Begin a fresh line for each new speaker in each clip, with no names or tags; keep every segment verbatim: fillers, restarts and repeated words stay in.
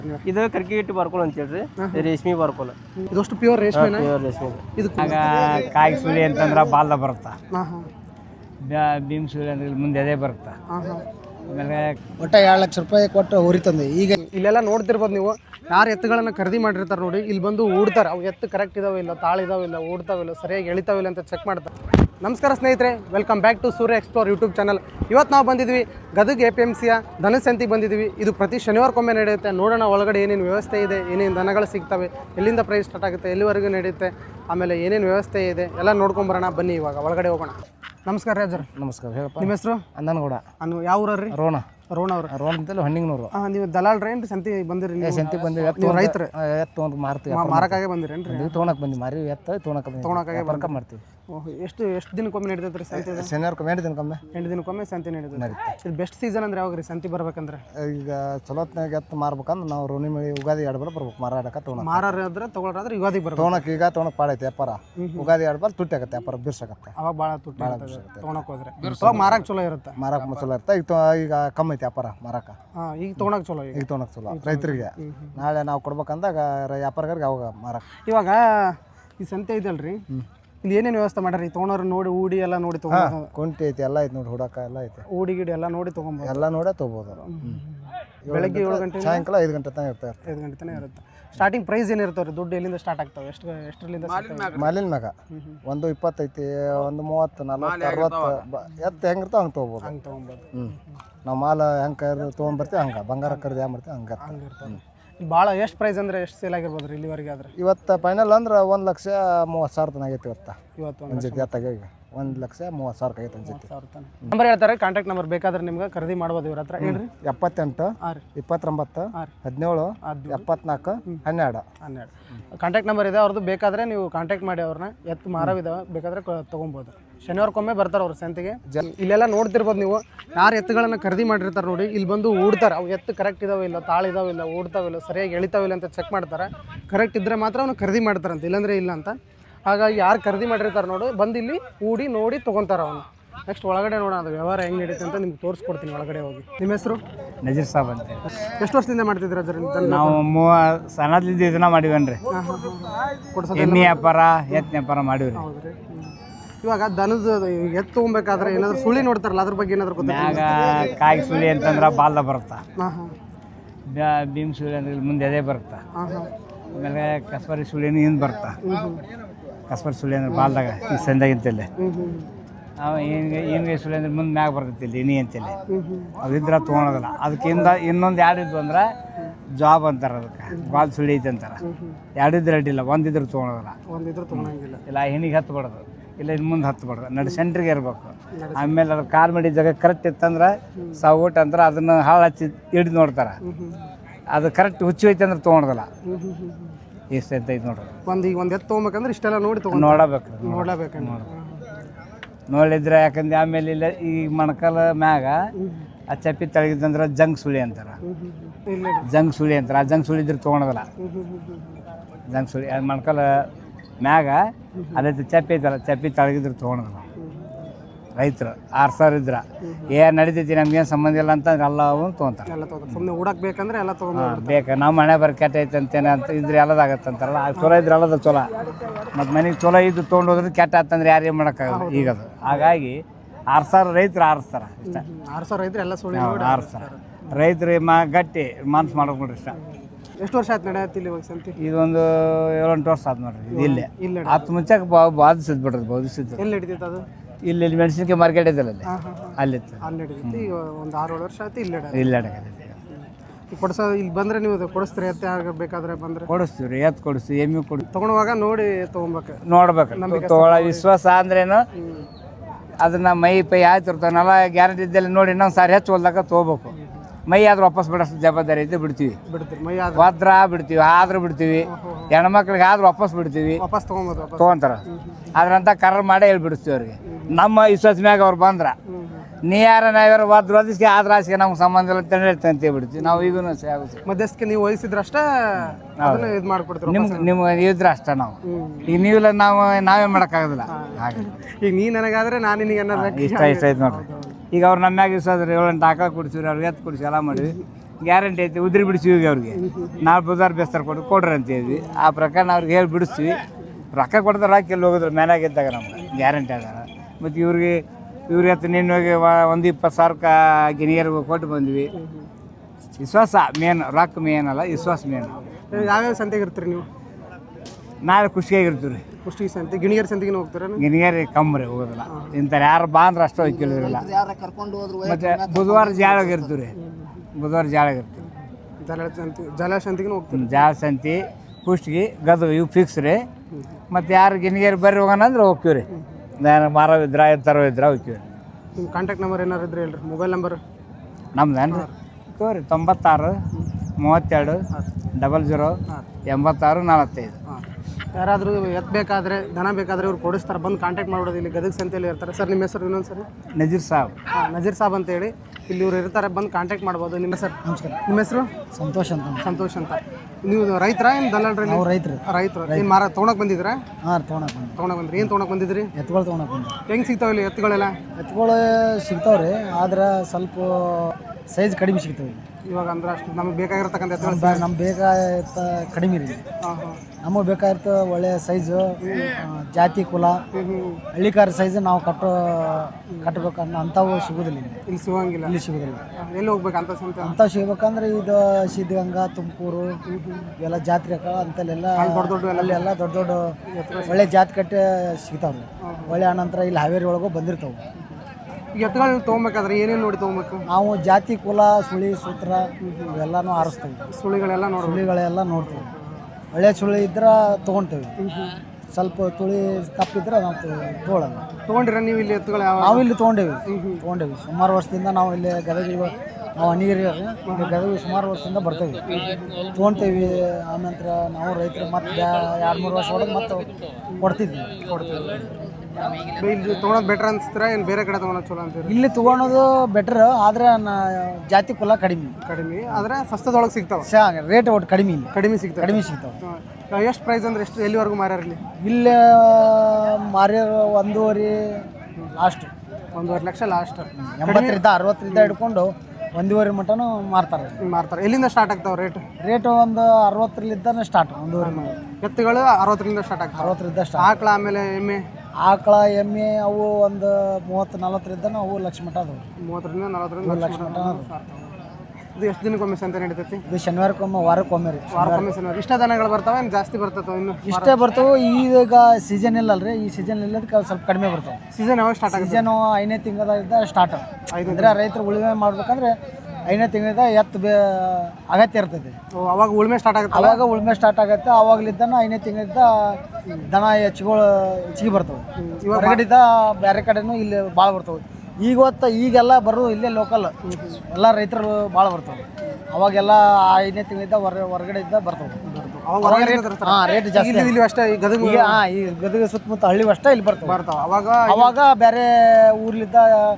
ಇದು ಕರ್ಕಿಗಿಟ್ಟು ಬರ್ಕೊಲ್ ಅಂತ ಹೇಳ್ರಿ, ರೇಷ್ಮೆ ಬರ್ಕೊಲ್.
ಇದಷ್ಟು ಪ್ಯೂರ್ ರೇಷ್ಮೆ
ಪ್ಯೂರ್ ರೇಷ್ಮೆ.
ಇದು
ಆಗ ಕಾಯಿ ಸುಳಿ ಅಂತಂದ್ರೆ ಬಾಲ್ದ ಬರುತ್ತಾ, ಭೀಮ್ ಸುಳಿ ಅಂದ್ರೆ ಇಲ್ಲಿ ಮುಂದೆ ಅದೇ ಬರುತ್ತಾ. ಆಮೇಲೆ
ಒಟ್ಟ ಎರಡು ಲಕ್ಷ ರೂಪಾಯಿ ಕೊಟ್ಟು ಉರಿತಂದೆ. ಈಗ ಇಲ್ಲೆಲ್ಲ ನೋಡ್ತಿರ್ಬೋದು ನೀವು, ಯಾರು ಎತ್ತುಗಳನ್ನ ಖರೀದಿ ಮಾಡಿರ್ತಾರೆ ನೋಡಿ, ಇಲ್ಲಿ ಬಂದು ಓಡ್ತಾರೆ. ಅವು ಎತ್ತು ಕರೆಕ್ಟ್ ಇದಾವೆ ಇಲ್ಲ, ತಾಳಿದಾವೆ ಇಲ್ಲ, ಓಡ್ತಾವಿಲ್ಲ, ಸರಿಯಾಗಿ ಎಳಿತಾವಿಲ್ಲ ಅಂತ ಚೆಕ್ ಮಾಡ್ತಾರೆ. ನಮಸ್ಕಾರ ಸ್ನೇಹಿತರೆ, welcome back to Surya explore YouTube channel. ಇವತ್ತು ನಾವು ಬಂದಿದ್ವಿ ಗದಗ ಎ ಪಿ ಎಮ್ ಸಿಯ ದನ ಸಂತಿಗೆ ಬಂದಿದ್ವಿ. ಇದು ಪ್ರತಿ ಶನಿವಾರಕ್ಕೊಮ್ಮೆ ನಡೆಯುತ್ತೆ. ನೋಡೋಣ ಒಳಗಡೆ ಏನೇನು ವ್ಯವಸ್ಥೆ ಇದೆ, ಏನೇನು ದನಗಳು ಸಿಗ್ತವೆ, ಎಲ್ಲಿಂದ ಪ್ರೈಸ್ ಸ್ಟಾರ್ಟ್ ಆಗುತ್ತೆ, ಎಲ್ಲಿವರೆಗೂ ನಡೆಯುತ್ತೆ, ಆಮೇಲೆ ಏನೇನು ವ್ಯವಸ್ಥೆ ಇದೆ ಎಲ್ಲ ನೋಡ್ಕೊಂಬರೋಣ. ಬನ್ನಿ ಇವಾಗ ಒಳಗಡೆ ಹೋಗೋಣ. ನಮಸ್ಕಾರ ರಾಜರ್.
ನಮಸ್ಕಾರ. ಹೇಳಪ್ಪ.
ನಿಮ್ಮ ಹೆಸರು?
ಅನ್ನನಗೌಡ.
ಅನ್ನು ಯಾವ ಊರ್ರಿ?
ರೋಣ.
ರೋಣ ಅವ್ರು.
ರೋಣ ಅಂತೇಳಿ ಹಣ್ಣಿಂಗ್ನೂರು.
ಹಾಂ, ನೀವು ದಲಾಲ್ರಿ ಏನ್ರಿ? ಸಂತಿ ಬಂದಿರಿ?
ಸಂತಿಗೆ ಬಂದಿವಿ. ಎತ್ತು
ರೈತರು
ಎತ್ತು ತೊಗೊಂಡು ಮಾರ್ತೀವಿ.
ಮಾರಕ್ಕಾಗೆ ಬಂದಿರೇನ್ರಿ?
ತೊಗೊಳಕ್ ಬಂದಿ ಮಾರಿ ಎತ್ತು ತೊಗೊಳಕ್ ಬಂದಿ
ತೊಗೊಳಕ್ಕಾಗೆ
ಬರ್ಕ ಮಾಡ್ತೀವಿ.
ಓಹ್, ಎಷ್ಟು ಎಷ್ಟು ದಿನಕ್ಕೊಮ್ಮೆ ನಡೀತೈತ್ರಿ ಸಂತಿ?
ಶನಿವಾರಕ್ಕೆ ಎಂಟು ದಿನಕ್ಕೊಮ್ಮೆ.
ಎಂಟು ದಿನಕ್ಕೊಮ್ಮೆ ಸಂತಿ ನಡೀತದೆ. ಇದು ಬೆಸ್ಟ್ ಸೀಸನ್ ಅಂದ್ರೆ ಯಾವಾಗ ರೀ ಸಂತಿ ಬರ್ಬೇಕಂದ್ರೆ?
ಈಗ ಚಲೋತ್ನಾಗ ಎತ್ತು ಮಾರ್ಬೇಕಂದ್ರೆ ನಾವು ರೋಣಿ ಮಳಿ ಉಗಾದಿ ಎರಡು ಬರ ಬರ್ಬೇಕು ಮಾರಾಡಕ. ತೊಗೊಳಕ್
ಮಾರಾದ್ರೆ ತಗೊಳ್ರಾದ್ರೆ ಯುಗಾದಿಗೆ ಬರ್ಬೇಕು.
ತೊಗೊಳಕ್ ಈಗ ತೊಗೊಳಕ್ ಪಾಡೈತೆ ವ್ಯಾಪಾರ. ಉಗಾದಿ ಎರಡು ಬರ ತುಟ್ಟಿ ಆಗತ್ತೆ ವ್ಯಾಪಾರ, ಬಿರ್ಸಕತ್ತೆ.
ಅವಾಗ ಭಾಳ ತುಟ್ಟಿ ತೊಗೊಳಕ್ ಹೋದ್ರೆ ಅವಾಗ ಮಾರಕ್ ಚಲೋ ಇರುತ್ತೆ.
ಮಾರಕ್ ಚಲೋ ಇರುತ್ತೆ. ಈಗ ಈಗ ಕಮ್ಮಿ ಐತೆ ವ್ಯಾಪಾರ ಮಾರಕ.
ಹಾಂ, ಈಗ ತೊಗೊಳಕ್ ಚಲೋ.
ಈಗ ತೊಗೊಳಕ್ ಚಲೋ ರೈತರಿಗೆ. ನಾಳೆ ನಾವು ಕೊಡ್ಬೇಕಂದಾಗ ವ್ಯಾಪಾರಗಾರಿಗೆ ಅವಾಗ ಮಾರಕ.
ಇವಾಗ ಈ ಸಂತೆ ಐತಲ್ರಿ, ಇಲ್ಲಿ ಏನೇನು ವ್ಯವಸ್ಥೆ ಮಾಡ್ಯಾರ? ಈ ತೊಗೊಂಡ್ರು ನೋಡಿ ಊಡಿ ಎಲ್ಲ ನೋಡಿ ತೊಗೊಂಡು,
ಕುಂಟಿ ಐತಿ ಎಲ್ಲ ಐತಿ ನೋಡಿ, ಹುಡಕ ಎಲ್ಲ ಐತಿ.
ಊಡಿ ಗಿಡಿ ಎಲ್ಲ ನೋಡಿ ತೊಗೊಂಬೋದು.
ಎಲ್ಲ ನೋಡೇ ತೊಗೋಬೋದು.
ಬೆಳಗ್ಗೆ ಏಳು ಗಂಟೆ
ಸಾಯಂಕಾಲ ಐದು ಗಂಟೆ ತನಕ ಇರ್ತಾರೆ.
ಐದು ಗಂಟೆ ತನಕ ಇರುತ್ತೆ. ಸ್ಟಾರ್ಟಿಂಗ್ ಪ್ರೈಸ್ ಏನಿರ್ತಾವೆ ರೀ? ದುಡ್ಡು ಎಲ್ಲಿಂದ ಸ್ಟಾರ್ಟ್ ಆಗ್ತಾವೆ? ಎಷ್ಟು ಎಷ್ಟರಿಂದ?
ಮಾಲಿನ ಮ್ಯಾಗ ಒಂದು ಇಪ್ಪತ್ತೈತಿ, ಒಂದು ಮೂವತ್ತು, ನಲ್ವತ್ತು, ಅರವತ್ತು ಎತ್ತು ಹೆಂಗಿರ್ತಾವ ಹಂಗೆ ತೊಗೋಬೋದು.
ಹಂಗೆ ತೊಗೊಬೋದು.
ಹ್ಞೂ, ನಾವು ಮಾಲ ಹೆಂಗೆ ಕರ್ ತೊಗೊಂಬರ್ತೀವಿ ಹಂಗೆ, ಬಂಗಾರ ಖರೀದಿ ಹೆಂಗೆ ಮಾಡ್ತೀವಿ ಹಂಗೆ
ಹಂಗೆ ಇರ್ತವೆ. ಭಾಳ ಎಷ್ಟು ಪ್ರೈಸ್ ಅಂದರೆ ಎಷ್ಟು ಸೇಲ್ ಆಗಿರ್ಬೋದು ರೀ ಇಲ್ಲಿವರೆಗೆ? ಆದ್ರೆ
ಇವತ್ತು ಫೈನಲ್ ಅಂದ್ರೆ ಒಂದು ಲಕ್ಷ ಮೂವತ್ತು ಸಾವಿರ ತನಕ ಆಗೈತಿ ಇವತ್ತು.
ಇವತ್ತು
ಒಂದು ಜೊತೆ ಎತ್ತಾಗ ಈಗ ಒಂದು ಲಕ್ಷ ಮೂವತ್ತು ಸಾವಿರ ಆಗೈತೆ ಒಂದು ಜೊತೆ.
ಸಾವಿರ ತಾನೆ. ನಂಬರ್ ಹೇಳ್ತಾರೆ, ಕಾಂಟ್ಯಾಕ್ಟ್ ನಂಬರ್ ಬೇಕಾದ್ರೆ ನಿಮ್ಗೆ ಖರೀದಿ ಮಾಡ್ಬೋದು ಇವ್ರ ಹತ್ರ. ಹೇಳ್ರಿ.
ಎಪ್ಪತ್ತೆಂಟು
ಹಾಂ ರೀ,
ಇಪ್ಪತ್ತೊಂಬತ್ತು
ಹಾಂ ರೀ,
ಹದಿನೇಳು
ಹದಿನೇಳು
ಎಪ್ಪತ್ನಾಲ್ಕು ಹನ್ನೆರಡು
ಹನ್ನೆರಡು ಕಾಂಟ್ಯಾಕ್ಟ್ ನಂಬರ್ ಇದೆ ಅವ್ರದ್ದು. ಬೇಕಾದರೆ ನೀವು ಕಾಂಟ್ಯಾಕ್ಟ್ ಮಾಡಿ ಅವ್ರನ್ನ. ಎತ್ತು ಮಾರವಿದಾವೆ, ಬೇಕಾದರೆ ತೊಗೊಬೋದು. ಶನಿವಾರಕ್ಕೊಮ್ಮೆ ಬರ್ತಾರೆ ಅವ್ರ ಸಂತಿಗೆ. ಇಲ್ಲೆಲ್ಲ ನೋಡ್ತಿರ್ಬೋದು ನೀವು, ಯಾರು ಎತ್ತುಗಳನ್ನ ಖರೀದಿ ಮಾಡಿರ್ತಾರೆ ನೋಡಿ, ಇಲ್ಲಿ ಬಂದು ಓಡ್ತಾರೆ. ಅವು ಎತ್ತು ಕರೆಕ್ಟ್ ಇದಾವೆ ಇಲ್ಲ, ತಾಳಿದಾವೆ ಇಲ್ಲ, ಓಡ್ತಾವಿಲ್ಲ, ಸರಿಯಾಗಿ ಎಳಿತಾವಿಲ್ಲ ಅಂತ ಚೆಕ್ ಮಾಡ್ತಾರೆ. ಕರೆಕ್ಟ್ ಇದ್ದರೆ ಮಾತ್ರ ಅವ್ನು ಖರೀದಿ ಮಾಡ್ತಾರಂತ, ಇಲ್ಲಾಂದರೆ ಇಲ್ಲ ಅಂತ. ಹಾಗಾಗಿ ಯಾರು ಖರೀದಿ ಮಾಡಿರ್ತಾರೆ ನೋಡಿ, ಬಂದು ಇಲ್ಲಿ ಊಡಿ ನೋಡಿ ತೊಗೊತಾರೆ ಅವನು. ನೆಕ್ಸ್ಟ್ ಒಳಗಡೆ ನೋಡೋಣ ಅದು ವ್ಯವಹಾರ ಹೆಂಗೆ ನಡೀತೆ ಅಂತ ನಿಮ್ಗೆ ತೋರಿಸ್ಕೊಡ್ತೀನಿ ಒಳಗಡೆ ಹೋಗಿ. ನಿಮ್ಮ ಹೆಸರು?
ನಜೀರ್ ಸಾಬ್ ಅಂತ.
ಎಷ್ಟು ವರ್ಷದಿಂದ ಮಾಡ್ತಿದ್ದೀರಾ ಸರ್?
ನಾವು ಮೂವ ಸಣ್ಣದ್ಲಿದ್ದು ಇದನ್ನ ಮಾಡಿವನ್ರಿ. ಎಮ್ಮೆ ವ್ಯಾಪಾರ, ಎತ್ತಿನ ವ್ಯಾಪಾರ ಮಾಡಿವ್ರಿ.
ಹೌದ್ರಿ. ಇವಾಗ ದನದ ಎತ್ತು ತೊಗೊಬೇಕಾದ್ರೆ ಏನಾದ್ರು ಸುಳಿ ನೋಡ್ತಾರಲ್ಲ, ಅದ್ರ ಬಗ್ಗೆ ಏನಾದ್ರು ಗೊತ್ತಾ?
ಮ್ಯಾಗ ಕಾಯಿ ಸುಳಿ ಅಂತಂದ್ರೆ ಬಾಲ್ದ ಬರುತ್ತಾ,
ಹಾಂ ಹಾಂ,
ಭೀಮ್ ಸುಳಿ ಅಂದ್ರೆ ಇಲ್ಲಿ ಮುಂದೆ ಅದೇ ಬರುತ್ತಾ.
ಹಾಂ ಹಾಂ,
ಆಮೇಲೆ ಕಸ್ಬರಿ ಸುಳಿನೂ ಹಿಂದೆ ಬರುತ್ತಾ. ಕಸ್ಬರಿ ಸುಳಿ ಅಂದ್ರೆ ಬಾಲ್ದಾಗ ಈ ಸಂದಾಗಿಂತಲ್ಲಿ. ನಾವು ಏನು ಏನ್ಗೆ ಸುಳಿ ಅಂದ್ರೆ ಮುಂದೆ ಮ್ಯಾಗ ಬರ್ತೈತಿ ಇಲ್ಲಿ ಇನಿ ಅಂತೇಳಿ. ಅದಿದ್ರೆ ತೊಗೊಳೋದಿಲ್ಲ. ಅದಕ್ಕಿಂತ ಇನ್ನೊಂದು ಎರಡು ಇದ್ವು ಅಂದ್ರೆ ಜಾಬ್ ಅಂತಾರೆ ಅದಕ್ಕೆ, ಬಾಲ್ ಸುಳಿ ಐತೆ ಅಂತಾರೆ. ಎರಡಿದ್ರೆ ಅಡ್ಡಿಲ್ಲ, ಒಂದಿದ್ರೆ ತೊಗೊಳೋದಿಲ್ಲ.
ಒಂದಿದ್ರೆ ತೊಗೊಳಂಗಿಲ್ಲ. ಇಲ್ಲ
ಹೆಣಿಗೆ ಹತ್ಬಾರ್ದು, ಇಲ್ಲ ಇನ್ನು ಮುಂದೆ ಹತ್ಬಾರ್ದು, ನಡು ಸೆಂಟ್ರಿಗೆ ಇರಬೇಕು. ಆಮೇಲೆ ಅದು ಕಾಲು ಮಡಿ ಜಾಗ ಕರೆಕ್ಟ್ ಇತ್ತಂದ್ರೆ ಸಾವು ಊಟ ಅಂದ್ರೆ ಅದನ್ನು ಹಾಳು ಹಚ್ಚಿ ಹಿಡಿದು ನೋಡ್ತಾರೆ. ಅದು ಕರೆಕ್ಟ್ ಹುಚ್ಚು ಐತೆ ಅಂದ್ರೆ ತೊಗೊಳೋದಿಲ್ಲ. ಎಷ್ಟು ಅಂತ ಐತೆ ನೋಡ್ರಿ.
ಒಂದು ಈಗ ಒಂದು ಎತ್ತು ತೊಗೊಬೇಕಂದ್ರೆ ಇಷ್ಟೆಲ್ಲ ನೋಡಿ ತೊಗೊಂಡು
ನೋಡಬೇಕು.
ನೋಡಬೇಕಂದ್ರೆ
ನೋಡಿದ್ರೆ ಯಾಕಂದ್ರೆ ಆಮೇಲೆ ಇಲ್ಲ ಈ ಮೊಣಕಾಲ ಮ್ಯಾಗ ಆ ಚಪ್ಪಿ ತಳಗಿದಂದ್ರೆ ಜಂಗ್ ಸುಳಿ ಅಂತಾರೆ. ಜಂಗ್ ಸುಳಿ ಅಂತಾರೆ. ಆ ಜಂಗ್ ಸುಳಿ ಇದ್ರೆ ತೊಗೊಳೋದಿಲ್ಲ. ಜಂಗ್ ಸುಳಿ ಅದು ಮೊಣಕಾಲ ಮ್ಯಾಗ ಅದೇ ಚಪ್ಪಿ ಐತಲ್ಲ, ಚಪ್ಪಿ ತಳಗಿದ್ರೆ ತೊಗೊಳೋದಿಲ್ಲ. ರೈತರು ಆರು ಸಾವಿರ ಇದ್ರೆ ಏನು ನಡೀತೈತಿ, ನಮ್ಗೇನು ಸಂಬಂಧ ಇಲ್ಲ ಅಂತಂದ್ರೆ ಎಲ್ಲವೂ ತೊಗೊಂತಾರೆ.
ಎಲ್ಲ ತೊಗೊಂಡು ಸುಮ್ಮನೆ ಉಡಕ್ ಬೇಕಂದ್ರೆ ಎಲ್ಲ ತೊಗೊಂಡು
ಬೇಕಾ ನಾವು ಮನೆ ಬರ ಕೆಟ್ಟ ಐತೆ ಅಂತೇನೆ ಅಂತ ಇದ್ರೆ ಎಲ್ಲದಾಗತ್ತೆ ಅಂತಾರಲ್ಲ. ಅದು ಚಲೋ ಇದ್ರೆ ಎಲ್ಲದ ಚಲೋ. ಮತ್ತು ಮನೆಗೆ ಚಲೋ ಇದ್ದು ತೊಗೊಂಡು ಹೋದ್ರೆ ಕೆಟ್ಟ ಆತಂದ್ರೆ ಯಾರು ಏನು ಮಾಡೋಕ್ಕಾಗಲ್ಲ ಈಗ ಅದು. ಹಾಗಾಗಿ ಆರು ಸಾವಿರ ರೈತರು ಆರಿಸ್ತಾರೆ ಇಷ್ಟ.
ಆರು ಸಾವಿರ ರೈತರು ಎಲ್ಲ ಸುಳಿ
ಆರಿಸ್ತಾರೆ. ರೈತರು ಮಾ ಗಟ್ಟಿ ಮನ್ಸು ಮಾಡ್ಕೊಂಡ್ರಿ ಇಷ್ಟ.
ಎಷ್ಟು ವರ್ಷ ಆಯ್ತು ನಡೆಯತ್ತೆ ಇಲ್ಲಿ ಇವಾಗ ಸಂತಿ?
ಇದೊಂದು ಏಳೆಂಟು ವರ್ಷ ಆಯ್ತು ನೋಡ್ರಿ. ಇದು ಇಲ್ಲೇ
ಇಲ್ಲ
ಹತ್ತು ಮುಂಚೆಗೆ ಬಾಧಿಸಿದ್ ಬಿಡ್ರಿ, ಬಾಧಿಸಿದ್ದು.
ಎಲ್ಲಿ ನಡೀತೈತೆ ಅದು?
ಇಲ್ಲಿ ಇಲ್ಲಿ ಮೆಣಸಿನ್ಕಾಯಿ ಮಾರ್ಕೆಟ್ ಇದಲ್ಲ ಅಲ್ಲಿ, ಅಲ್ಲಿತ್ತು.
ಅಲ್ಲಿ ನಡೀತೈತಿ. ಈಗ ಒಂದು ಆರು ಏಳು ವರ್ಷ ಆಯ್ತು ಇಲ್ಲಿ
ಇಲ್ಲಿ ಅಡಗೈತಿ.
ಕೊಡ್ಸೋ ಇಲ್ಲಿ ಬಂದರೆ ನೀವು ಕೊಡಿಸ್ತೀರಿ? ಎತ್ತು ಯಾರು ಬೇಕಾದ್ರೆ ಬಂದರೆ
ಕೊಡಿಸ್ತೀವಿ ರೀ. ಎತ್ತು ಕೊಡಿಸ್ತೀವಿ, ಎಮ್ಮೆ ಕೊಡಿ.
ತೊಗೊಳುವಾಗ ನೋಡಿ ತೊಗೊಬೇಕು.
ನೋಡ್ಬೇಕು. ತೊಗೊಳ ವಿಶ್ವಾಸ ಅಂದ್ರೇನು, ಅದನ್ನ ಮೈ ಪೈ ಆಯ್ತಿರ್ತಾವನಲ್ಲ, ಗ್ಯಾರಂಟಿ ಇದ್ದಲ್ಲಿ ನೋಡಿ ಇನ್ನೊಂದು ಸಾರಿ ಹೆಚ್ಚು ಹೊಲ್ದಾಗ ತೊಗೋಬೇಕು. ಮೈ ಆದ್ರೂ ವಾಪಸ್ ಬಿಡೋಷ್ಟು ಜವಾಬ್ದಾರಿ ಐತೆ, ಬಿಡ್ತೀವಿ.
ಬಿಡ್ತೀರಿ ಮೈ
ಭದ್ರ ಬಿಡ್ತೀವಿ, ಆದ್ರೂ ಬಿಡ್ತೀವಿ. ಹೆಣ್ಮಕ್ಳಿಗೆ ಆದ್ರೂ ವಾಪಸ್ ಬಿಡ್ತೀವಿ,
ವಾಪಸ್ ತೊಗೊಬೋದು.
ತೊಗೊಂತಾರ. ಅದ್ರಂತ ಕರ್ರ್ ಮಾಡೇ ಹೇಳಿ ಬಿಡಿಸ್ತೀವಿ ಅವ್ರಿಗೆ. ನಮ್ಮ ವಿಶ್ವಾಸ ಮ್ಯಾಗ ಅವ್ರು ಬಂದ್ರ ನೀ ಯಾರ ನಾವ್ಯಾರು ಒದ್ರ ಓದಿಸ್ಗೆ ಆದ್ರ ಆಸೆಗೆ ನಮ್ಗೆ ಸಂಬಂಧ ಇಲ್ಲ ಅಂತ ಹೇಳ್ತಂತ ಬಿಡ್ತೀವಿ ನಾವು. ಈಗೂ
ಮಧ್ಯಸ್ಥಿಕೆ ನೀವು ವಹಿಸಿದ್ರಷ್ಟೇ ಇದು ಮಾಡ್ಕೊಡ್ತೀವಿ.
ನಿಮ್ಗೆ ನಿಮ್ಗೆ ಇದ್ರೆ ಅಷ್ಟೇ ನಾವು. ಈಗ ನೀವಿಲ್ಲ ನಾವು ನಾವೇನು ಮಾಡೋಕ್ಕಾಗೋದಿಲ್ಲ. ಹಾಗೆ
ಈಗ ನೀ ನನಗಾದ್ರೆ ನಾನು ನಿನಗೆ
ಇಷ್ಟ ಇಷ್ಟ ಐತೆ ನೋಡ್ರಿ. ಈಗ ಅವ್ರು ನಮ್ಮ ಮ್ಯಾಗ ವಿಶ್ವಾಸ ಏಳು ಎಂಟು ಆಕಳ ಕೊಡ್ಸಿವ್ರಿ, ಅವ್ರಿಗೆ ಎತ್ತು ಕೊಡಿಸಿ ಎಲ್ಲ ಮಾಡಿವಿ. ಗ್ಯಾರಂಟಿ ಐತಿ ಉದ್ರಿ ಬಿಡಿಸ್ತೀವಿ ಅವ್ರಿಗೆ ನಾಳೆ ಬುಧವಾರ ಬೇಸ್ತಾರ ಕೊಟ್ಟು ಕೊಡ್ರಿ ಅಂತ ಹೇಳಿದ್ವಿ ಆ ಪ್ರಕಾರ ನಾವು ಅವ್ರಿಗೆ ಹೇಳಿ ಬಿಡಿಸ್ತೀವಿ ರೊಕ್ಕ ಕೊಡ್ತಾರೆ ಹಾಕಿ ಎಲ್ಲಿ ಹೋಗಿದ್ರು ಮ್ಯಾನಾಗ ಇದ್ದಾಗ ನಮ್ಗೆ ಗ್ಯಾರಂಟಿ ಅದಾರ ಮತ್ತು ಇವ್ರಿಗೆ ಇವ್ರಿಗೆ ಹತ್ತು ನಿನ್ನ ಹೋಗಿ ಒಂದು ಇಪ್ಪತ್ತು ಸಾವಿರಕ್ಕೆ ಗಿನಿಯರ್ಗೆ ಕೊಟ್ಟು ಬಂದ್ವಿ ವಿಶ್ವಾಸ ಮೇನ್ ರೊಕ್ಕ ಮೇನ್ ಅಲ್ಲ ವಿಶ್ವಾಸ ಮೇನ್.
ಯಾವ್ಯಾವ ಸಂತೆಗೆ ಇರ್ತೀರಿ ನೀವು?
ನಾಳೆ ಖುಷಿಯಾಗಿರ್ತೀವಿ ರೀ.
ಕುಷ್ಟಿ ಸಂತೆ ಗಿಣಿಗೇರಿ ಸಂತೆಗೆ ಹೋಗ್ತೀರಾ?
ಗಿನಿಯರಿ ಕಮ್ಮಿ ಹೋಗೋದಿಲ್ಲ ಇಂಥವ್ರು ಯಾರು ಬಾ ಅಂದ್ರೆ ಅಷ್ಟೇ ಹೋಗಿಲ್ಲ. ಮತ್ತು ಬುಧವಾರ ಜಾಳಾಗ ಇರ್ತೀವಿ ರೀ, ಬುಧವಾರ ಜಾಳಾಗ ಇರ್ತೀವಿ.
ಜಲ ಸಂತೆ ಜಲ ಸಂತೆಗೆ ಹೋಗ್ತೀವಿ.
ಜಾಳ ಸಂತಿ ಕುಷ್ಟಿಗೆ ಗದಗ ಇವು ಫಿಕ್ಸ್ ರೀ. ಮತ್ತು ಯಾರು ಗಿನಿಗೇರಿ ಬರ್ರಿ ಹೋಗೋಣ ಅಂದ್ರೆ ಹೋಗ್ತೀವಿ ರೀ. ನಾನು ಮಾರೋ ಇದ್ರ ತರೋ ಇದ್ರ ಹೋಗ್ತೀವಿ.
ನಿಮ್ಮ ಕಾಂಟ್ಯಾಕ್ಟ್ ನಂಬರ್ ಏನಾರು ಇದ್ರೆ ಹೇಳ್ರಿ, ಮೊಬೈಲ್ ನಂಬರ್
ನಮ್ದೇನು ರೀ ತೋರಿ ತೊಂಬತ್ತಾರು ಮೂವತ್ತೆರಡು ಡಬಲ್ ಜೀರೋ ಎಂಬತ್ತಾರು ನಲವತ್ತೈದು.
ಯಾರಾದರೂ ಎತ್ ಬೇಕಾದರೆ ದನ ಬೇಕಾದರೆ ಇವ್ರು ಕೊಡಿಸ್ತಾರೆ, ಬಂದು ಕಾಂಟ್ಯಾಕ್ಟ್ ಮಾಡ್ಬೋದು. ಇಲ್ಲಿ ಗದಗ ಸಂತೆಯಲ್ಲಿ ಇರ್ತಾರೆ. ಸರ್ ನಿಮ್ಮ ಹೆಸರು ಇನ್ನೊಂದು ಸರಿ?
ನಜೀರ್ ಸಾಬ್.
ಹಾಂ, ನಜೀರ್ ಸಾಬ್ ಅಂತೇಳಿ ಇಲ್ಲಿ ಇವ್ರು ಇರ್ತಾರೆ, ಬಂದು ಕಾಂಟ್ಯಾಕ್ಟ್ ಮಾಡ್ಬೋದು. ನಿಮ್ಮ ಸರ್ ನಮಸ್ಕಾರ, ನಿಮ್ಮ ಹೆಸರು?
ಸಂತೋಷ್ ಅಂತ.
ಸಂತೋಷ್ ಅಂತ. ನೀವು ರೈತರ ಏನು ದಲ್ಲಾಳ್ರಿ?
ನಾವು ರೈತರು.
ರೈತರು. ಏನು ಮಾರ ತೊಗೊಳಕ್ಕೆ ಬಂದಿದ್ರಾ?
ಹಾಂ, ತೊಗೊಳಕ್ಕೆ ಬಂದು
ತೊಗೊಳಕ್ಕೆ ಬಂದ್ರಿ. ಏನು ತೊಗೊಳಕ್ಕೆ ಬಂದಿದ್ರಿ?
ಎತ್ತುಗಳು ತೊಗೊಳಕ್ಕೆ ಬಂದು.
ಹೆಂಗೆ ಸಿಗ್ತಾವೆ ಇಲ್ಲಿ ಎತ್ತುಗಳೆಲ್ಲ?
ಎತ್ತುಗಳು ಸಿಗ್ತಾವ್ರಿ, ಆದ್ರೆ ಸ್ವಲ್ಪ ಸೈಜ್ ಕಡಿಮೆ ಸಿಗ್ತಾವೆ.
ಇವಾಗ ಅಂದ್ರೆ ಅಷ್ಟು ನಮಗೆ ಬೇಕಾಗಿರ್ತಕ್ಕಂಥ ಎತ್ತುಗಳು
ನಮ್ಗೆ ಬೇಕಾಗಿರ್ತ ಕಡಿಮೆ ರೀ.
ಹಾಂ ಹಾಂ
ನಮಗೆ ಬೇಕಾಗಿರ್ತ ಒಳ್ಳೆಯ ಸೈಜು, ಜಾತಿ ಕುಲ, ಹಳ್ಳಿಕಾರ ಸೈಜ್ ನಾವು ಕಟ್ಟೋ ಕಟ್ಟಬೇಕನ್ನೋ ಅಂಥವು ಸಿಗೋದಿಲ್ಲ ಇಲ್ಲಿ.
ಇಲ್ಲಿ ಸಿಗೋಂಗಿಲ್ಲ.
ಇಲ್ಲಿ ಸಿಗೋದಿಲ್ಲ.
ಎಲ್ಲಿ ಹೋಗ್ಬೇಕು ಅಂತ ಸಂತೆ?
ಅಂಥವು ಸಿಗ್ಬೇಕಂದ್ರೆ ಇದು ಸಿದ್ಧಗಂಗಾ, ತುಮಕೂರು ಇವೆಲ್ಲ ಜಾತ್ರೆ ಅಂತಲ್ಲೆಲ್ಲ
ದೊಡ್ಡ ದೊಡ್ಡ
ಅಲ್ಲಿ ಎಲ್ಲ ದೊಡ್ಡ ದೊಡ್ಡ ಒಳ್ಳೆ ಜಾತಿ ಕಟ್ಟೆ ಸಿಗ್ತಾವ್ರಿ. ಒಳ್ಳೆ ಆನಂತರ ಇಲ್ಲಿ ಹಾವೇರಿ ಒಳಗೂ ಬಂದಿರ್ತಾವೆ.
ಈಗ ಎತ್ತುಗಳು ತೊಗೊಬೇಕಾದ್ರೆ ಏನೇನು ನೋಡಿ ತೊಗೊಬೇಕು?
ನಾವು ಜಾತಿ ಕುಲ, ಸುಳಿ, ಸೂತ್ರ ಇವೆಲ್ಲನೂ ಆರಿಸ್ತೀವಿ.
ಸುಳಿಗಳೆಲ್ಲ ನೋಡಿ
ಸುಳಿಗಳೆಲ್ಲ ನೋಡ್ತೀವಿ. ಒಳ್ಳೆ ಸುಳಿ ಇದ್ರೆ ತೊಗೊಳ್ತೀವಿ, ಸ್ವಲ್ಪ ತುಳಿ ತಪ್ಪಿದ್ರೆ ನಾವು ತೊಗೊಳಲ್ಲ.
ತೊಗೊಂಡಿರ ನೀವು ಇಲ್ಲಿ ಎತ್ತುಗಳು? ಯಾವ
ನಾವು ಇಲ್ಲಿ ತೊಗೊಂಡೇವಿ ತೊಗೊಂಡೇವಿ ಸುಮಾರು ವರ್ಷದಿಂದ ನಾವು ಇಲ್ಲಿ ಗದಗ, ನಾವು ಅನಿಗಿರಿ ಗದಗ ಸುಮಾರು ವರ್ಷದಿಂದ ಬರ್ತೇವೆ, ತೊಗೊಳ್ತೇವಿ. ಆನಂತರ ನಾವು ರೈತರು ಮತ್ತೆ ಎರಡು ಮೂರು ವರ್ಷ ಒಳಗೆ ಮತ್ತೆ ಕೊಡ್ತಿದ್ವಿ ಕೊಡ್ತೀವಿ
ಇಲ್ಲಿ ತೊಗೊಳೋದು ಬೆಟ್ರ್ ಅನ್ಸ್ತೀರಾ ಏನು ಬೇರೆ ಕಡೆ ತೊಗೊಳೋದು ಚಲೋ ಅಂತೀರಿ?
ಇಲ್ಲಿ ತೊಗೊಳೋದು ಬೆಟ್ರ್, ಆದರೆ ಜಾತಿ ಕುಲ ಕಡಿಮೆ
ಕಡಿಮೆ ಆದರೆ ಸಸ್ತದೊಳಗೆ ಸಿಗ್ತಾವೆ.
ಶಾ ರೇಟ್ ಒಟ್ಟು ಕಡಿಮೆ ಇಲ್ಲಿ
ಕಡಿಮೆ ಸಿಗ್ತಾವೆ.
ಕಡಿಮೆ ಸಿಗ್ತಾವೆ.
ಎಷ್ಟು ಪ್ರೈಸ್ ಅಂದ್ರೆ ಎಷ್ಟು ಎಲ್ಲಿವರೆಗೂ ಮಾರ್ಯಾರ ಇಲ್ಲಿ?
ಇಲ್ಲಿ ಮಾರ್ಯಾರ ಒಂದೂವರೆ ಲಾಸ್ಟ್,
ಒಂದೂವರೆ ಲಕ್ಷ ಲಾಸ್ಟ್.
ಎಂಬತ್ತರಿಂದ ಅರವತ್ತರಿಂದ ಹಿಡ್ಕೊಂಡು ಒಂದೂವರೆ ಮಟನು ಮಾರ್ತಾರೆ
ಮಾರ್ತಾರೆ. ಎಲ್ಲಿಂದ ಸ್ಟಾರ್ಟ್ ಆಗ್ತಾವೆ ರೇಟ್?
ರೇಟ್ ಒಂದು ಅರವತ್ತರಲ್ಲಿದ್ದಾನೆ ಸ್ಟಾರ್ಟ್. ಒಂದೂವರೆ ಮಟ
ಎತ್ತುಗಳು ಅರವತ್ತರಿಂದ ಸ್ಟಾರ್ಟ್ ಆಗ್ತಾವೆ.
ಅರವತ್ತರಿಂದ ಸ್ಟಾರ್ಟ್.
ಆಕಳ ಆಮೇಲೆ ಎಮ್ಮೆ?
ಆಕಳ ಎಮ್ಮೆ ಅವು ಒಂದು ಮೂವತ್ತು ನಲ್ವತ್ತರಿಂದ ಅವು ಲಕ್ಷ ಮಟ ಅದಾವೆ.
ಮೂವತ್ತರಿಂದ ನಲ್ವತ್ತರಿಂದ
ಲಕ್ಷ ಮಟ ಅದಾವೆ.
ಇದು ಎಷ್ಟು ದಿನಕ್ಕೊಮ್ಮೆ ಸಂತೆ ನಡೀತೈತಿ?
ಇದು ಶನಿವಾರಕ್ಕೊಮ್ಮೆ ವಾರಕ್ಕೊಮ್ಮೆ ರೀ.
ವಾರಕ್ಕೊಮ್ಮೆ ಶನಿವಾರ. ಇಷ್ಟ ದನಗಳು ಬರ್ತಾವೆ ಏನು ಜಾಸ್ತಿ ಬರ್ತವೆ? ಇನ್ನು
ಇಷ್ಟೇ ಬರ್ತವೆ. ಈಗ ಸೀಸನ್ ಇಲ್ಲಲ್ರಿ, ಈ ಸೀಸನ್ ಇಲ್ಲದಕ್ಕೆ ಸ್ವಲ್ಪ ಕಡಿಮೆ ಬರ್ತವೆ.
ಸೀಸನ್ ಯಾವಾಗ ಸ್ಟಾರ್ಟ್ ಆಗುತ್ತೆ?
ಸೀಸನು ಐದನೇ ತಿಂಗಳದಿಂದ ಸ್ಟಾರ್ಟ್. ಅಂದರೆ ರೈತರು ಉಳುಮೆ ಮಾಡ್ಬೇಕಂದ್ರೆ ಐದನೇ ತಿಂಗಳಿಂದ ಎತ್ತು ಬೇ ಅಗತ್ಯ ಇರ್ತೈತಿ.
ಅವಾಗ ಉಳುಮೆ ಸ್ಟಾರ್ಟ್ ಆಗುತ್ತೆ.
ಅವಾಗ ಉಳುಮೆ ಸ್ಟಾರ್ಟ್ ಆಗುತ್ತೆ. ಅವಾಗಲಿದ್ದಾನ ಐದನೇ ತಿಂಗಳಿಂದ ದನ ಹೆಚ್ಚುಗಳು ಹೆಚ್ಚಿಗೆ ಬರ್ತವೆ. ಹೊರಗಡೆದ ಬೇರೆ ಕಡೆನೂ ಇಲ್ಲಿ ಭಾಳ ಬರ್ತವೆ. ಈಗ ಹೊತ್ತು ಈಗೆಲ್ಲ ಬರೋದು ಇಲ್ಲೇ ಲೋಕಲ್ ಎಲ್ಲ ರೈತರು ಭಾಳ ಬರ್ತವೆ. ಅವಾಗೆಲ್ಲ ಐದನೇ ತಿಂಗಳಿಂದ ಹೊರ ಹೊರಗಡೆಯಿಂದ ಬರ್ತವೆ.
ಅವಾಗ ರೇಟ್
ಹಾಂ ರೇಟ್ ಜಾಸ್ತಿ.
ಇಲ್ಲಿ ಅಷ್ಟೇ ಈ ಗದಗ?
ಈಗ ಹಾಂ ಈ ಗದಗ ಸುತ್ತಮುತ್ತ ಹಳ್ಳಿ ಅಷ್ಟೇ ಇಲ್ಲಿ ಬರ್ತವೆ
ಬರ್ತಾವೆ. ಅವಾಗ
ಅವಾಗ ಬೇರೆ ಊರ್ಲಿದ್ದ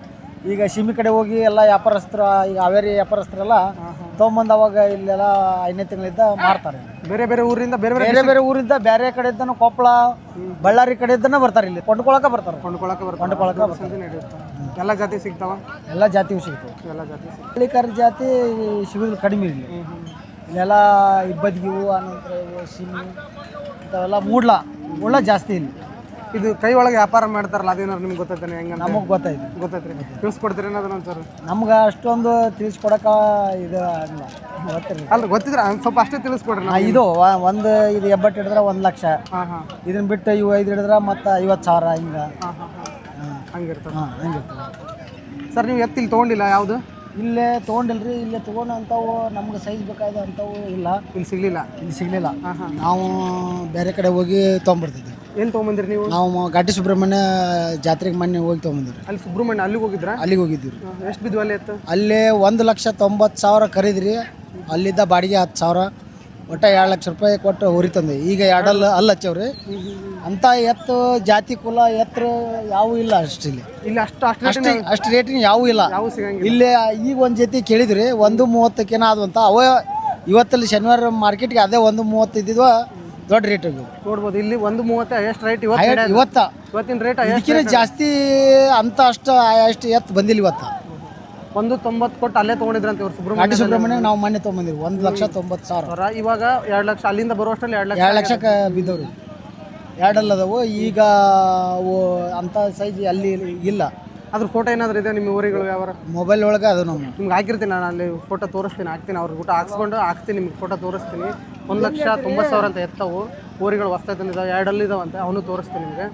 ಈಗ ಶಿಮಿ ಕಡೆ ಹೋಗಿ ಎಲ್ಲ ವ್ಯಾಪಾರಸ್ಥರ, ಈಗ ಹಾವೇರಿ ವ್ಯಾಪಾರಸ್ಥರೆಲ್ಲ ತೊಗೊಂಬಂದು ಅವಾಗ ಇಲ್ಲೆಲ್ಲ ಐದನೇ ತಿಂಗಳಿಂದ ಮಾರ್ತಾರೆ.
ಬೇರೆ ಬೇರೆ ಊರಿಂದ ಬೇರೆ
ಬೇರೆ ಬೇರೆ ಊರಿಂದ ಬೇರೆ ಕಡೆಯಿಂದನೂ ಕೊಪ್ಪಳ, ಬಳ್ಳಾರಿ ಕಡೆಯಿಂದನೂ ಬರ್ತಾರೆ. ಇಲ್ಲಿ ಕೊಂಡ್ಕೊಳಕ್ಕೆ ಬರ್ತಾರೆ.
ಕೊಂಡ್ಕೊಳಕ್ಕೆ ಬರ್ತಾರೆ.
ಕೊಂಡ್ಕೊಳಕ್ಕೆ ಬರ್ತಾರೆ.
ನಡೆಯುತ್ತೆ. ಎಲ್ಲ ಜಾತಿ ಸಿಗ್ತಾವ?
ಎಲ್ಲ ಜಾತಿಯೂ ಸಿಗ್ತವೆ.
ಎಲ್ಲ ಜಾತಿ
ಹಳ್ಳಿಕಾರ ಜಾತಿ ಸಿಗೋದು ಕಡಿಮೆ ಇಲ್ಲಿ. ಇಲ್ಲೆಲ್ಲ ಇಬ್ಬದಿಗಿವು, ಆನಂತರ ಇವು ಶಿಮಿ ಇಂಥವೆಲ್ಲ ಮೂಡ್ಲ ಮೂಡ್ಲ ಜಾಸ್ತಿ ಇಲ್ಲಿ.
ಇದು ಕೈ ಒಳಗೆ ವ್ಯಾಪಾರ ಮಾಡ್ತಾರಲ್ಲ, ಅದೇನಾರು ನಿಮ್ಗೆ ಗೊತ್ತೈತೆ? ಹೆಂಗೆ
ನಮಗೆ ಗೊತ್ತಾಯ್ತು.
ಗೊತ್ತೈತ್ರಿ. ತಿಳಿಸ್ಕೊಡ್ತೀರಿ ಅನ್ನೋದನ್ನ ಒಂಚೂರು?
ನಮ್ಗೆ ಅಷ್ಟೊಂದು ತಿಳಿಸ್ಕೊಡಕ್ಕೆ ಇದು ಆಗಿಲ್ಲ, ಗೊತ್ತಿರಲಿ.
ಅಲ್ಲ ಗೊತ್ತಿದ್ರೆ ಸ್ವಲ್ಪ ಅಷ್ಟೇ ತಿಳಿಸ್ಕೊಡ್ರಿ.
ಹಾಂ, ಇದು ಒಂದು ಇದು ಎಬ್ಬಟ್ಟು ಹಿಡಿದ್ರೆ ಒಂದು ಲಕ್ಷ.
ಹಾಂ ಹಾಂ
ಇದನ್ನ ಬಿಟ್ಟು ಇವು ಐದು ಹಿಡಿದ್ರೆ ಮತ್ತು ಐವತ್ತು ಸಾವಿರ ಹಿಂಗೆ.
ಹಾಂ ಹಾಂ ಹಾಂ ಹಂಗಿರ್ತದೆ.
ಹಾಂ ಹಂಗಿರ್ತದೆ.
ಸರ್ ನೀವು ಎತ್ತಿಲ್ಲಿ ತೊಗೊಂಡಿಲ್ಲ ಯಾವುದು?
ಇಲ್ಲೇ ತೊಗೊಂಡಿಲ್ರಿ. ಇಲ್ಲೇ ತೊಗೊಂಡು ಅಂಥವು ನಮ್ಗೆ ಸೈಜ್ ಬೇಕಾದ ಅಂಥವು ಇಲ್ಲ,
ಇಲ್ಲಿ ಸಿಗಲಿಲ್ಲ.
ಇಲ್ಲಿ ಸಿಗಲಿಲ್ಲ.
ಹಾಂ ಹಾಂ
ನಾವು ಬೇರೆ ಕಡೆ ಹೋಗಿ ತೊಗೊಂಬರ್ತಿದ್ದೆ.
ಎಲ್ಲಿ ತೊಗೊಂಬಂದಿರಿ ನೀವು?
ನಾವು ಘಾಟಿ ಸುಬ್ರಹ್ಮಣ್ಯ ಜಾತ್ರೆಗೆ ಮೊನ್ನೆ ಹೋಗಿ ತೊಗೊಂಬಂದಿರಿ.
ಅಲ್ಲಿ ಸುಬ್ರಹ್ಮಣ್ಯ ಅಲ್ಲಿಗೆ ಹೋಗಿದ್ರಾ?
ಅಲ್ಲಿಗೆ ಹೋಗಿದ್ದೀವಿ.
ಎಷ್ಟು ಬಿದ್ದು ಅಲ್ಲಿ ಎತ್ತು?
ಅಲ್ಲಿ ಒಂದು ಲಕ್ಷ ತೊಂಬತ್ತು ಸಾವಿರ ಖರೀದ್ರಿ. ಅಲ್ಲಿದ್ದ ಬಾಡಿಗೆ ಹತ್ತು ಸಾವಿರ, ಒಟ್ಟು ಎರಡು ಲಕ್ಷ ರೂಪಾಯಿ ಕೊಟ್ಟು ಹೊರಿ ತಂದೆ. ಈಗ ಎರಡಲ್ಲ ಅಲ್ಲಿ ಹಚ್ಚವ್ರಿ. ಅಂಥ ಎತ್ತು ಜಾತಿ ಕುಲ ಎತ್ತರು ಯಾವೂ ಇಲ್ಲ ಅಷ್ಟು ಇಲ್ಲಿ.
ಇಲ್ಲಿ ಅಷ್ಟು ಅಷ್ಟು
ಅಷ್ಟು ಅಷ್ಟು ರೇಟಿನ ಯಾವೂ ಇಲ್ಲ.
ಯಾವ ಸಿಗಂಗಿಲ್ಲ.
ಇಲ್ಲಿ ಈಗ ಒಂದು ಜೊತೆ ಕೇಳಿದ್ರಿ, ಒಂದು ಮೂವತ್ತಕ್ಕೇನೋ ಅದು ಅಂತ. ಅವ ಇವತ್ತಲ್ಲಿ ಶನಿವಾರ ಮಾರ್ಕೆಟ್ಗೆ ಅದೇ ಒಂದು ಮೂವತ್ತು ಇದ್ದಿದ್ವ ದೊಡ್ಡ ರೇಟ್
ನೋಡ್ಬೋದು. ಇಲ್ಲಿ ಒಂದು ಮೂವತ್ತು ಎಷ್ಟು ರೇಟ್ ಇವತ್ತು?
ಇವತ್ತ
ಇವತ್ತಿನ ರೇಟ್
ಇದಕ್ಕಿಂತ ಜಾಸ್ತಿ ಅಂತ ಅಷ್ಟು ಅಷ್ಟು ಎತ್ತು ಬಂದಿಲ್ಲ ಇವತ್ತು.
ಒಂದು ತೊಂಬತ್ತು ಕೊಟ್ಟು ಅಲ್ಲೇ ತೊಗೊಂಡಿದ್ರಂತೆ ಇವ್ರು
ಘಾಟಿ
ಸುಬ್ರಹ್ಮಣ್ಯ
ಸುಬ್ರಹ್ಮಣ್ಯ ನಾವು ಮೊನ್ನೆ ತೊಗೊಂಬಂದಿವಿ ಒಂದು ಲಕ್ಷ ತೊಂಬತ್ತು ಸಾವಿರ
ಅವರ ಇವಾಗ ಎರಡು ಲಕ್ಷ ಅಲ್ಲಿಂದ ಬರುವಷ್ಟರಲ್ಲಿ ಎರಡು ಲಕ್ಷ
ಎರಡು ಲಕ್ಷಕ್ಕೆ ಬಿದ್ದವ್ರಿ ಎರಡಲ್ಲ ಅದಾವು ಈಗ ಅವು ಅಂಥ ಸೈಜ್ ಅಲ್ಲಿ ಇಲ್ಲ.
ಅದ್ರ ಫೋಟೋ ಏನಾದರೂ ಇದೆ ನಿಮ್ಮ ಊರಿಗಳು ಯಾವ
ಮೊಬೈಲ್ ಒಳಗೆ ಅದು ನಮ್ಮ
ನಿಮ್ಗೆ ಹಾಕಿರ್ತೀನಿ ನಾನು ಅಲ್ಲಿ ಫೋಟೋ ತೋರಿಸ್ತೀನಿ ಹಾಕ್ತೀನಿ ಅವ್ರಿಗೆ ಊಟ ಹಾಕ್ಸ್ಕೊಂಡು ಹಾಕ್ತೀನಿ ನಿಮ್ಗೆ ಫೋಟೋ ತೋರಿಸ್ತೀನಿ. ಒಂದು ಲಕ್ಷ ತೊಂಬತ್ತು ಸಾವಿರ ಅಂತ ಎತ್ತವು ಊರಿಗಳು ಹೊಸ್ತಾಗಿ ತಂದಿದ್ದಾವೆ ಎರಡಲ್ಲಿ ಇದಾವಂತೆ ಅವನು ತೋರಿಸ್ತೀನಿ ನಿಮಗೆ.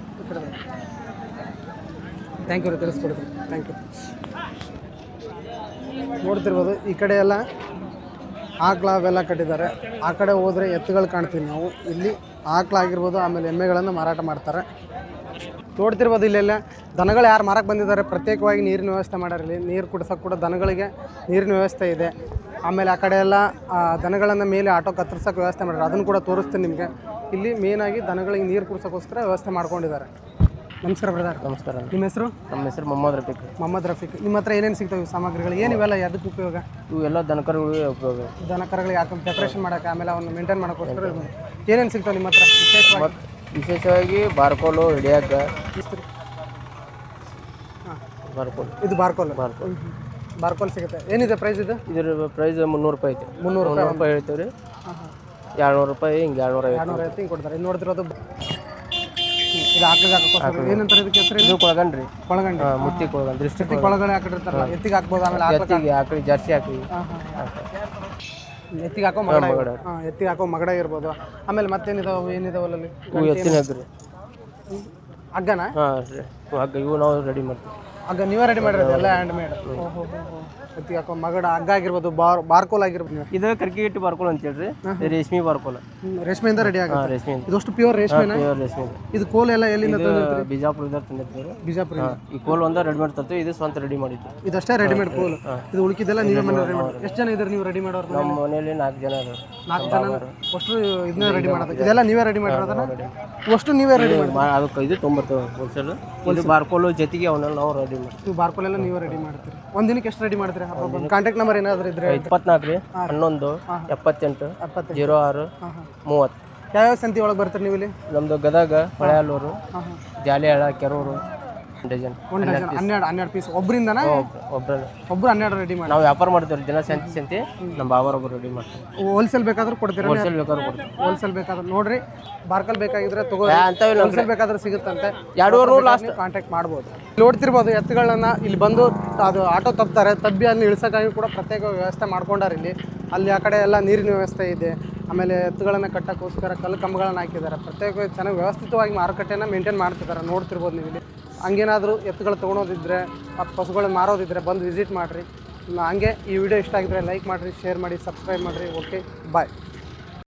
ಥ್ಯಾಂಕ್ ಯು ರೀ ತಿಳಿಸ್ಕೊಡ್ತೀನಿ ಥ್ಯಾಂಕ್ ಯು. ನೋಡ್ತಿರ್ಬೋದು ಈ ಕಡೆ ಎಲ್ಲ ಆಕಳ ಅವೆಲ್ಲ ಕಟ್ಟಿದ್ದಾರೆ. ಆ ಕಡೆ ಹೋದರೆ ಎತ್ತುಗಳು ಕಾಣ್ತೀವಿ ನಾವು. ಇಲ್ಲಿ ಆಕಳಾಗಿರ್ಬೋದು ಆಮೇಲೆ ಎಮ್ಮೆಗಳನ್ನು ಮಾರಾಟ ಮಾಡ್ತಾರೆ. ನೋಡ್ತಿರ್ಬೋದು ಇಲ್ಲೆಲ್ಲ ದನಗಳು ಯಾರು ಮಾರಕ್ಕೆ ಬಂದಿದ್ದಾರೆ ಪ್ರತ್ಯೇಕವಾಗಿ ನೀರಿನ ವ್ಯವಸ್ಥೆ ಮಾಡಿರಲಿ. ನೀರು ಕುಡಿಸೋಕೆ ಕೂಡ ದನಗಳಿಗೆ ನೀರಿನ ವ್ಯವಸ್ಥೆ ಇದೆ. ಆಮೇಲೆ ಆ ಕಡೆ ಎಲ್ಲ ದನಗಳನ್ನು ಮೇಲೆ ಆಟೋ ಕತ್ತರಿಸೋಕೆ ವ್ಯವಸ್ಥೆ ಮಾಡಿದ್ದಾರೆ, ಅದನ್ನು ಕೂಡ ತೋರಿಸ್ತೀನಿ ನಿಮಗೆ. ಇಲ್ಲಿ ಮೇನಾಗಿ ದನಗಳಿಗೆ ನೀರು ಕುಡಿಸೋಕ್ಕೋಸ್ಕರ ವ್ಯವಸ್ಥೆ ಮಾಡ್ಕೊಂಡಿದ್ದಾರೆ. ನಮಸ್ಕಾರ ಬ್ರದರ್.
ನಮಸ್ಕಾರ.
ನಿಮ್ಮ ಹೆಸರು?
ನಮ್ಮ ಹೆಸರು ಮೊಹಮ್ಮದ್ ರಫೀಕ್.
ಮೊಹಮ್ಮದ್ ರಫೀಕ್. ನಿಮ್ಮ ಹತ್ರ ಏನೇನು ಸಿಗ್ತವೆ ಸಾಮಗ್ರಿಗಳು ಏನು ಇವೆಲ್ಲ ಅದಕ್ಕೆ ಉಪಯೋಗ?
ಇವು ಎಲ್ಲ ದನಕರುಗಳಿಗೆ ಉಪಯೋಗ.
ದನಕರುಗಳಿಗೆ ಹಾಕೊಂಡು ಡೆಕೋರೇಷನ್ ಮಾಡೋಕ್ಕೆ ಆಮೇಲೆ ಅವನ್ನ ಮೇಂಟೈನ್ ಮಾಡೋಕ್ಕೋಸ್ಕರ ಏನೇನು ಸಿಗ್ತಾವೆ ನಿಮ್ಮ ಹತ್ರ ವಿಶೇಷವಾಗಿ?
ವಿಶೇಷವಾಗಿ ಬಾರ್ಕೋಲು ಹಿಡಿಯಾಕ
ಹಾಂ
ಬಾರ್ಕೋಲ್.
ಇದು ಬಾರ್ಕೋಲ್.
ಬಾರ್ಕೋಲ್
ಬಾರ್ಕೋಲ್ ಸಿಗುತ್ತೆ. ಏನಿದೆ ಪ್ರೈಸ್ ಇದು?
ಇದ್ರ ಪ್ರೈಸ್ ಮುನ್ನೂರು ರೂಪಾಯಿ ಐತೆ.
ಮುನ್ನೂರು
ಮುನ್ನೂರು ರೂಪಾಯಿ ಹೇಳ್ತೀವಿ ರೀ.
ಹಾಂ ಹಾಂ
ಎರಡುನೂರು ರೂಪಾಯಿ ಹಿಂಗೆ ಎರಡುನೂರ ಐವತ್ತು
ಎರಡುನೂರ ಐವತ್ತು ಹಿಂಗೆ ಕೊಡ್ತಾರೆ. ಇದು ನೋಡ್ತಿರೋದು ಇದು ಆಕಳಿಗೆ ಹಾಕೋಕ್ಕೋಸ್ಕರ ಏನಂತಾರೆ ಇದಕ್ಕೆ ಹೆಸರು?
ಇದು ಕೊಳಗಂಡ್ರಿ.
ಕೊಳಗಂಡಿ.
ಹಾಂ ಮುತ್ತಿ ಕೊಳಗಂಡ್ರಿ. ದೃಷ್ಟಿ
ಎತ್ತಿಗೆ ಕೊಳಗಡೆ ಹಾಕಿರ್ತಾರಲ್ಲ ಎತ್ತಿಗೆ ಹಾಕ್ಬೋದು. ಆಮೇಲೆ
ಎತ್ತಿಗೆ ಹಾಕಿ ಜರ್ಸಿ ಹಾಕಿ
ಹಾಂ ಹಾಂ ಎತ್ತಿಗೆ ಹಾಕೋ ಮಗಡ. ಹಾಂ ಎತ್ತಿಗೆ ಹಾಕೋ ಮಗಡ ಇರ್ಬೋದು. ಆಮೇಲೆ ಮತ್ತೇನಿದಾವೆ ಏನಿದಾವಲ್ಲ ಅಲ್ಲಿ?
ಇವು ಎತ್ತಿನ ಹಗ್ರಿ.
ಹಗ್ಗನ?
ಹಾಂ ರೀ ಹಗ್ಗ ಇವು ನಾವು ರೆಡಿ ಮಾಡ್ತೀವಿ.
ಹಗ್ಗ ನೀವೇ ರೆಡಿ ಮಾಡಿರೋದು ಎಲ್ಲ ಹ್ಯಾಂಡ್ ಮೇಡ್? ಓಹೋ ಎತ್ತಿಗೆ ಹಾಕೋ ಮಗಡ ಹಗ್ಗ ಆಗಿರ್ಬೋದು, ಬಾರ್ ಬಾರ್ಕೋಲ್ ಆಗಿರ್ಬೋದು.
ಇದು ಕರ್ಕಿಗಿಟ್ಟು ಬಾರ್ಕೋಲ್ ಅಂತ ಹೇಳ್ರಿ. ರೇಷ್ಮೆ ಬಾರ್ಕೋಲ್.
ರೇಷ್ಮೆಯಿಂದ ರೆಡಿ ಆಗುತ್ತೆ.
ರೇಷ್ಮೆಯಿಂದ.
ಇದಷ್ಟು ಪ್ಯೂರ್ ರೇಷ್ಮೆನ?
ಪ್ಯೂರ್ ರೇಷ್ಮೆ.
ಇದು ಕೋಲ್ ಎಲ್ಲ ಎಲ್ಲಿಂದ ತಂದಿರ್ತೀರಿ?
ಬಿಜಾಪುರದಿಂದ ತಂದಿರ್ತೀವಿ.
ಬಿಜಾಪುರ.
ಈ ಕೋಲ್ ಒಂದ ರೆಡಿಮೇಡ್ ತರ್ತೀವಿ. ಇದು ಸ್ವಂತ ರೆಡಿ ಮಾಡಿದ್ದು.
ಇದಷ್ಟೇ ರೆಡಿಮೇಡ್ ಕೋಲ್. ಇದು ಉಳಿಕಿದ್ದೆಲ್ಲ ನೀವೇ ಮನೆ ರೆಡಿ ಮಾಡಿ. ಎಷ್ಟು ಜನ ಇದ್ದಾರೆ ನೀವು ರೆಡಿ ಮಾಡೋರು?
ನಮ್ಮ ಮನೆಯಲ್ಲಿ ನಾಲ್ಕು ಜನ ಇದ್ದಾರೆ.
ನಾಲ್ಕು ಜನ ಅಷ್ಟು ಇದನ್ನ ರೆಡಿ ಮಾಡೋದು. ಇದೆಲ್ಲ ನೀವೇ ರೆಡಿ ಮಾಡಿರೋದನ್ನ? ಅಷ್ಟು ನೀವೇ ರೆಡಿ ಮಾಡಿ
ಅದಕ್ಕೆ ಇದು ತೊಂಬತ್ತು ಹೋಲ್ಸೇಲ್. ಇದು ಬಾರ್ಕೋಲು ಜೊತೆಗೆ ಅವನ್ನೆಲ್ಲ ನಾವು ರೆಡಿ ಮಾಡ್ತೀವಿ.
ನೀವು ಬಾರ್ಕೋಲ್ ಎಲ್ಲ ನೀವೇ ರೆಡಿ ಮಾಡ್ತೀರಿ. ಒಂದು ದಿನಕ್ಕೆ ಎಷ್ಟು ರೆಡಿ ಮಾಡ್ತೀರಿ? ಕಾಂಟ್ಯಾಕ್ಟ್ ನಂಬರ್ ಏನಾದರೂ ಇದ್ರೆ?
ಇಪ್ಪತ್ನಾಲ್ಕು ರೀ ಹನ್ನೊಂದು ಎಪ್ಪತ್ತೆಂಟು ಜೀರೋ ಆರು ಮೂವತ್ತು.
ಯಾವ್ಯಾವ ಸಂತಿ ಒಳಗೆ ಬರ್ತೀರಿ ನೀವು ಇಲ್ಲಿ?
ನಮ್ಮದು ಗದಗ, ಹೊಳೆಯಲ್ಲೂರು, ಜಾಲಿಯಾಳ, ಕೆರೂರು. ಡಜನ್
ಒಂದು ಡಜನ್ ಹನ್ನೆರಡು ಹನ್ನೆರಡು ಪೀಸ್ ಒಬ್ಬರಿಂದನಾ?
ಒಬ್ಬರಲ್ಲ
ಒಬ್ರು ಹನ್ನೆರಡು ರೆಡಿ ಮಾಡಿ
ನಾವು ವ್ಯಾಪಾರ ಮಾಡ್ತೀವಿ. ದಿನ ಸಂತಿ ಸಂತಿ ನಮ್ಮ ಬಾಬರೊಬ್ಬರು ರೆಡಿ ಮಾಡ್ತೀವಿ.
ಹೋಲ್ಸೇಲ್ ಬೇಕಾದ್ರೂ ಕೊಡ್ತೀರಾ?
ಹೋಲ್ಸೇಲ್ ಬೇಕಾದ್ರೂ ಕೊಡ್ತೀವಿ.
ಹೋಲ್ಸೇಲ್ ಬೇಕಾದ್ರೆ ನೋಡ್ರಿ, ಬಾರ್ಕಲ್ ಬೇಕಾಗಿದ್ರೆ ತಗೋ.
ಅಂತವಿಲ್ಲ,
ಹೋಲ್ಸೇಲ್ ಬೇಕಾದ್ರೆ ಸಿಗುತ್ತಂತೆ.
ಎರಡೂವರೆ ನೂರು ಲಾಸ್ಟ್
ಕಾಂಟ್ಯಾಕ್ಟ್ ಮಾಡ್ಬೋದು. ನೋಡ್ತಿರ್ಬೋದು ಎತ್ತುಗಳನ್ನ ಇಲ್ಲಿ ಬಂದು ಅದು ಆಟೋ ತಪ್ತಾರೆ. ತಬ್ಬಿ ಅಲ್ಲಿ ಇಳಿಸೋಕ್ಕಾಗಿ ಕೂಡ ಪ್ರತ್ಯೇಕ ವ್ಯವಸ್ಥೆ ಮಾಡ್ಕೊಂಡಾರೆ ಇಲ್ಲಿ. ಅಲ್ಲಿ ಆ ಕಡೆ ಎಲ್ಲ ನೀರಿನ ವ್ಯವಸ್ಥೆ ಇದೆ. ಆಮೇಲೆ ಎತ್ತುಗಳನ್ನು ಕಟ್ಟೋಕ್ಕೋಸ್ಕರ ಕಲ್ಲು ಕಂಬಗಳನ್ನು ಹಾಕಿದ್ದಾರೆ. ಪ್ರತ್ಯೇಕ ಚೆನ್ನಾಗಿ ವ್ಯವಸ್ಥಿತವಾಗಿ ಮಾರುಕಟ್ಟೆಯನ್ನು ಮೇಂಟೈನ್ ಮಾಡ್ತಿದ್ದಾರೆ. ನೋಡ್ತಿರ್ಬೋದು ನೀವು ಇಲ್ಲಿ. ಹಂಗೇನಾದರೂ ಎತ್ತುಗಳು ತೊಗೊಳೋದಿದ್ದರೆ ಮತ್ತು ಪಶುಗಳನ್ನ ಮಾರೋದಿದ್ದರೆ ಬಂದು ವಿಸಿಟ್ ಮಾಡಿರಿ. ಹಂಗೆ ಈ ವಿಡಿಯೋ ಇಷ್ಟ ಆಗಿದ್ರೆ ಲೈಕ್ ಮಾಡಿರಿ, ಶೇರ್ ಮಾಡಿ, ಸಬ್ಸ್ಕ್ರೈಬ್ ಮಾಡಿರಿ. ಓಕೆ ಬಾಯ್.